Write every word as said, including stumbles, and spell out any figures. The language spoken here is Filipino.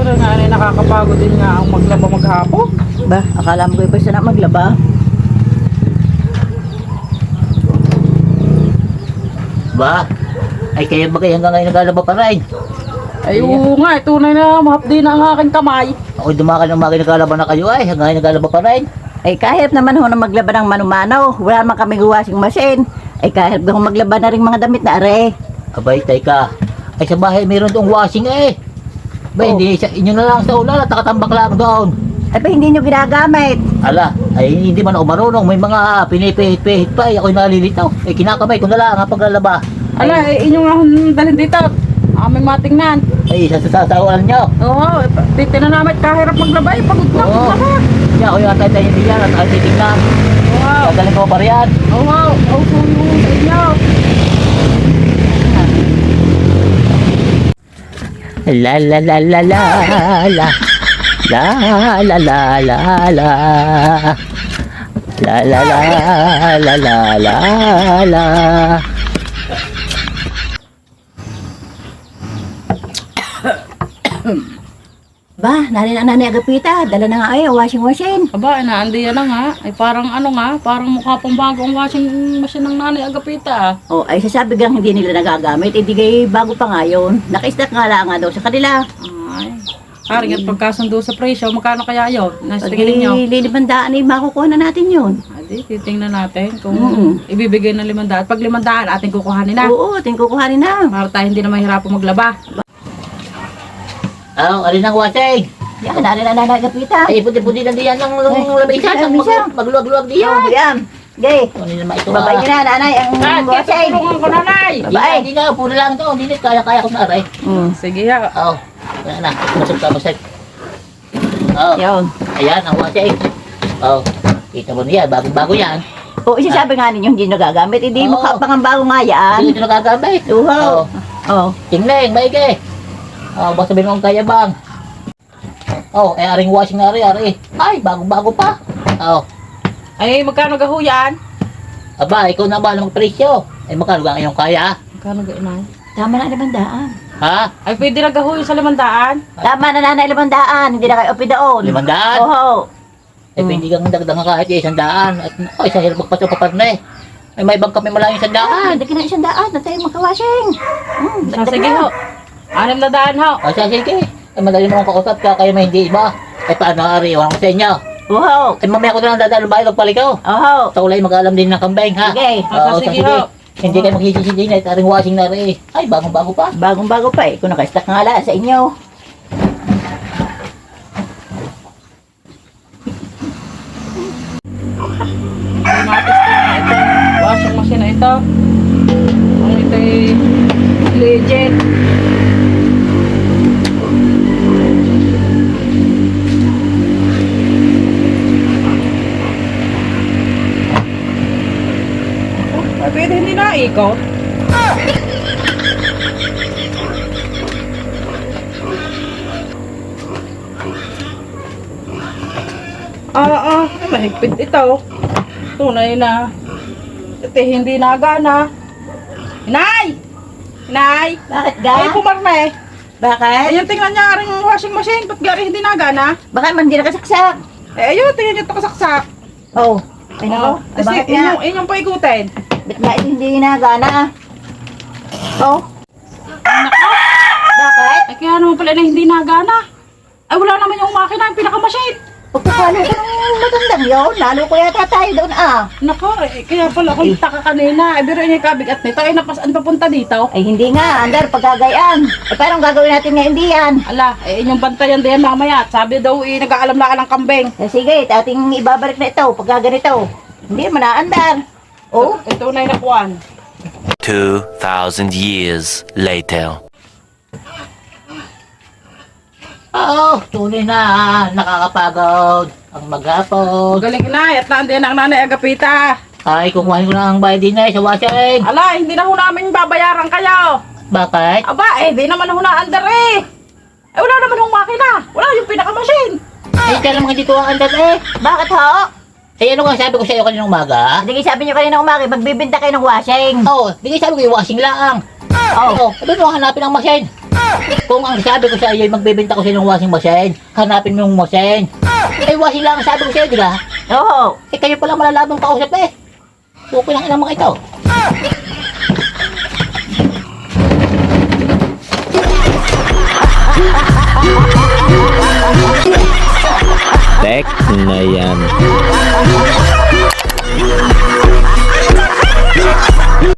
Pero nga ay nakakapagod din nga ang maglaba maghapon. Ba, akala mo kayo basta na maglaba? Ba? Ay kaya ba kayo hanggang ngayon naglalaba pa rin? Ay oo nga, eh, tunay na mahapdi na ang aking kamay. Ako dumakan ng mga naglalaba na kayo ay hanggang ngayon naglalaba pa rin. Ay kahit naman ho na maglaba ng manumanaw, wala naman kami washing machine. Ay kahit ho maglaba na rin mga damit na are. Abay, teka. Ay sa bahay mayroon doong washing eh. Ba, Oh. hindi, sa, inyo na lang sa ulan at nakatambak lang doon. Ay pa hindi nyo ginagamit. Ala, ay hindi man ako marunong. May mga pinipihit-pihit pa. Ay ako'y nalilitaw. Ay kinakamay ko na lang ang paglalaba. Ala, eh, inyong nga dalhin dito. Aming matingnan. Ay, sa sasawaan nyo. Oo, eh, titignan namin kahirap maglaba. Eh, pagod na, Oo. maglaba. Kaya ako yung atay tayo hindi yan at ay titignan. Wow. Gagaling ko pa riyan. Oo, wow. Oo, so yun sa inyo. La la la la la la. La la la la la. La la la la la la la. Ba, nari na nanay agapita, dala na nga ay washing machine. Aba, naandi yan na nga. Ay parang ano nga, parang mukha pang bago ang washing machine ng nanay Agapita. O ay sasabi gang hindi nila nagagamit, hindi kay bago pa nga yun. Naka-stack nga lang nga daw sa kanila. Ay, haring at pagkasundo sa presyo, magkano kaya yun? Nasa Pag tingin ninyo? lilibandaan ay makukuha na natin yun. Adi, titingnan natin kung Mm. ibibigay ng limandaan. Pag limandaan, ating kukuhanin na. Oo, ating kukuhanin na. Para tayo hindi na mahirapan maglaba. Oh, alin ang washing? Yan, nari na nanay agapita. Ay, puti-puti na diyan ng Ay, lamisan. ay, Ang misa. mag- magluwag-luwag Yan. diyan. Oh, yan. Gay, Ano naman ito babay ah? nyo na nanay ang Dad, kaya washing. tutulungan ko nanay! Hindi na, hindi na, puro lang to. Hindi na, kaya-kaya ko na aray. Mm. Sige ha. Oo, wala na. Masok ka, masok. Oo, Yun. ayan ang washing. Oo, kita mo niya, bago-bago yan. O, isasabi nga ninyo hindi nagagamit. Hindi Oo. mukha pang bago nga yan. Hindi ito nagagamit. Oo. Oo, Oh. tingling, maigi. Oo, basta sabihin mo kung kaya bang. Oo, eh, aring washing na ari, ari. Ay, bago-bago pa. Oo, Ay, magkano gaho yan? aba, ikaw na ba ng presyo? Ay, magkano ba ngayong kaya? Magkano ga inay? Tama na limandaan. Ha? Ay, pwede na gaho yung sa limandaan? Tama na nanay limandaan. Hindi na kayo opidaon. Limandaan? Oo. Eh, Hmm. hindi kang dagdagan kahit isang daan. At, oh, isang hirap magpaso pa pa na eh. Ay, may ibang kami malayong isang Ah, daan. hindi na isang daan. Na tayo magka-washing. Hmm, Sa dagdag sige na. ho. Anim na daan ho. O, siya, sige. Ay, madali mo akong kausap ka, kaya may hindi iba. Ay, paano, Ari? Iwan ko sa inyo. Oo. Ay, mamaya ko na lang dadaan ng bahay, magpalikaw. Oo. Sa ulay, mag-aalam din ng kambing, ha? Sige. Oo, Ah, sige, sige. ho. Hindi kayo maghihisi din, ay, aring washing na rin. Ay, bagong-bago pa. Bagong-bago pa eh. Kung naka-stack nga lang sa inyo. Automatic na ito. Washing machine na ito. Ang ito ay legit. Ay, pwede hindi na ikot. Ah, ah, ay, mahigpit ito. Tunay na. Ito hindi nagana. Inay! Inay! Bakit ga? Ay, pumarme. Bakit? Ayun, tingnan niya aring washing machine. Ba't gari hindi nagana? Bakit man hindi nakasaksak? Eh, ayun, tingnan niyo ito kasaksak. Oo. Ay nako. Tapos Bakit nga? inyong, inyong paikutin. Ba't nga ito hindi nagana? Oo. Nako! Bakit? Ay, kaya naman pala na hindi nagana. Ay, wala naman yung makina, yung pinaka-machine. Pagkakalo ko ng matandang yun. Lalo ko yata tayo doon ah. Nako, eh, kaya pala akong taka kanina. Eh, biro niya yung kabigat nito. Ay, napasaan papunta dito. Ay hindi nga. Andar pagkagayaan. Eh parang gagawin natin ngayon diyan? Ala, eh, inyong bantayan din mamaya. Sabi daw, eh, nag-aalam-laan ng kambing. Eh, sige, ating ibabalik na ito pagka ganito. Hindi mo na andar. Oh, Ito na yung nakuhan. Two thousand years later. Oo, tunay na, nakakapagod. Ang maghapon. Galing inay, at naandiyan ang nanay Agapita. Ay, kukuhanin ko na ang bayad din eh, sa washing. Ala, hindi na ho namin babayaran kayo. Bakit? Aba, eh, di naman ho naandar eh. Eh, wala naman hong makina. Wala yung pinaka-machine. Ay, kaya naman dito ang andad eh. bakit ho? Ay, ano nga sabi ko sa iyo kaninang umaga? Hindi sabi niyo kanina umagi, magbibinta kayo ng washing. Oo, oh, di kayo sabi ko yung washing lang. Oh. Oo, oh, sabi mo hanapin ang machine. Kung ang sabi ko sa iyo ay magbebenta ko silang washing machine, hanapin mo yung machine. Eh, washing lang ang sabi ko sa iyo, di ba? Oo. Eh, kayo pala malalabang kausap eh. Okay lang ilang mga ito. Tek na yan.